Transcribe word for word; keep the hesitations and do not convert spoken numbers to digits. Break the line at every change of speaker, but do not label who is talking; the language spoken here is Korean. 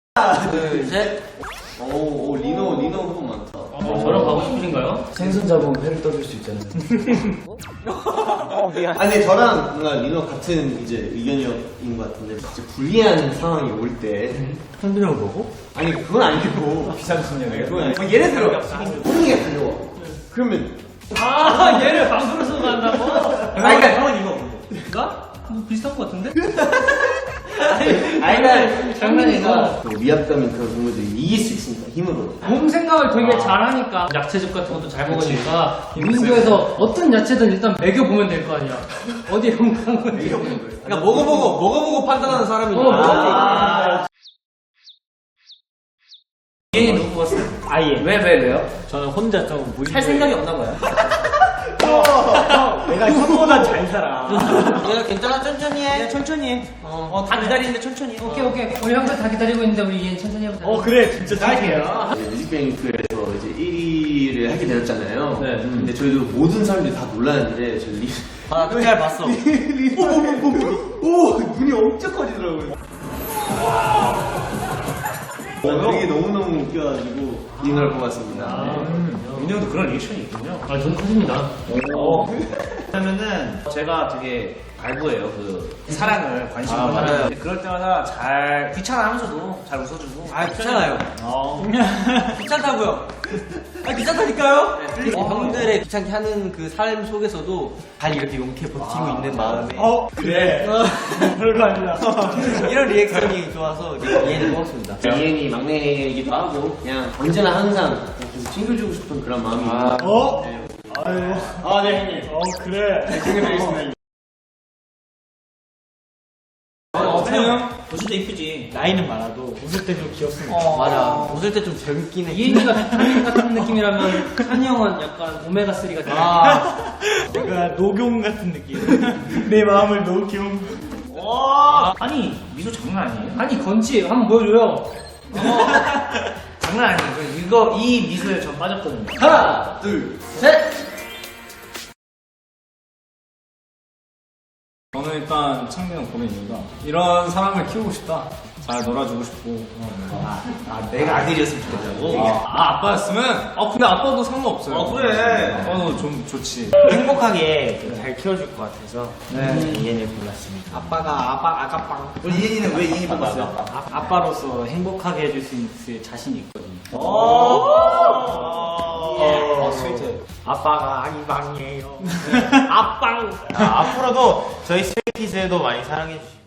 하나, 둘, 셋.
오, 오 리노 리노 후보 많다.
어, 저랑 가고 싶으신가요?
생선 잡으면 회를 떠줄 수 있잖아요.
어, 미안.
아니 저랑 뭔가 리노 같은 이제 의견인 것 같은데 진짜 불리한 상황이 올 때
한빈형 보고?
아니 그건 아니고
비싼 소녀가
그건 아니고 뭐 예를 들어 분위기가 달려와. 그러면
아, 얘를 방송으로 쓰고 간다고?
아니 그러니까
형은 이거
나? 뭐 비슷한 것 같은데?
아니 그러니까
장난이고.
그 위압감인 그런 동물들이 이길 수 있으니까 힘으로.
몸 생각을 되게 잘하니까 야채즙 같은 것도 잘 먹으니까 민규에서 어떤 야채든 일단 먹여보면 될 거 아니야. 어디에 건강한 건지.
그러니까 먹어보고 먹어보고 판단하는 사람이.
어,
아.
얘는 누구 뽑았어요?
아예.
왜, 왜, 왜요?
저는 혼자 좀 무리.
할 생각이 없나 봐요.
내가 형보다 잘 살아.
얘가 괜찮아, 천천히 해. 천천히 해. 어, 어, 다 기다리는데 천천히 해.
오케이, 오케이. 우리 형들 다 기다리고 있는데 우리 얘는 천천히 해보자.
어 그래 진짜
짧게요.
뮤직뱅크에서 이제 일 위를 하게 되었잖아요.
네.
근데 저희도 모든 사람들이 다 놀랐는데 저희 리
아, 그잘 봤어.
오, 오, 오, 눈이 엄청 커지더라고요. 어, 되게 너무너무 웃겨가지고 리노를 뽑았습니다.
민이 형도 그런 리액션이 있군요.
아, 눈 커집니다.
왜냐면은 제가 되게 갈구해요. 그 사랑을 관심을
아,
받아요.
맞아요.
그럴 때마다 잘 귀찮아하면서도 잘 웃어주고.
아, 귀찮아요.
어.
귀찮다고요. 아, 귀찮다니까요? 어, 형들의 귀찮게 하는 그 삶 속에서도 잘 이렇게 용케 버티고 있는 마음에.
어 그래. 별거 아니야.
이런 리액션이 좋아서 이해는 고맙습니다.
이엔이 막내이기도 하고 그냥 언제나 항상 좀 챙겨주고 싶은 그런 마음이 있는
어? 아유. 아 네 형님. 어 그래.
챙겨드리겠습니다.
어, 형?
웃을 때 이쁘지.
나이는 많아도 웃을 때 좀 귀엽습니다.
어, 맞아. 웃을 때 좀 젊긴 해.
이엔이가 비타민 같은 느낌이라면 찬이 형은 약간 오메가삼 같은
아,
내가 녹용 같은 느낌. 내 마음을 녹용.
와. 아니 미소 장난 아니에요?
아니, 건치 한번 보여줘요.
장난 아니에요. 그 이거 이 미소에 전 빠졌거든요.
하나, 둘, 셋.
저는 일단 창민형 보는 이유가 이런 사람을 키우고 싶다. 잘 놀아주고 싶고. 아,
아 내가 아들이었으면 좋겠다고.
아, 아, 아빠였으면? 아 근데 아빠도 상관없어요.
어, 그래.
아빠도 좀 좋지.
행복하게 잘 키워줄 것 같아서 이엔을 골랐습니다.
아빠가, 아빠, 아까빵.
우리 이엔이는 왜 이엔이 뽑았어요?
아, 아빠로서 행복하게 해줄 수 있을 자신이 있거든요.
오.
어, 스위트.
아빠가 아기방이에요.
아빵.
아, 앞으로도 저희 스트레이키즈도 많이 사랑해주시고.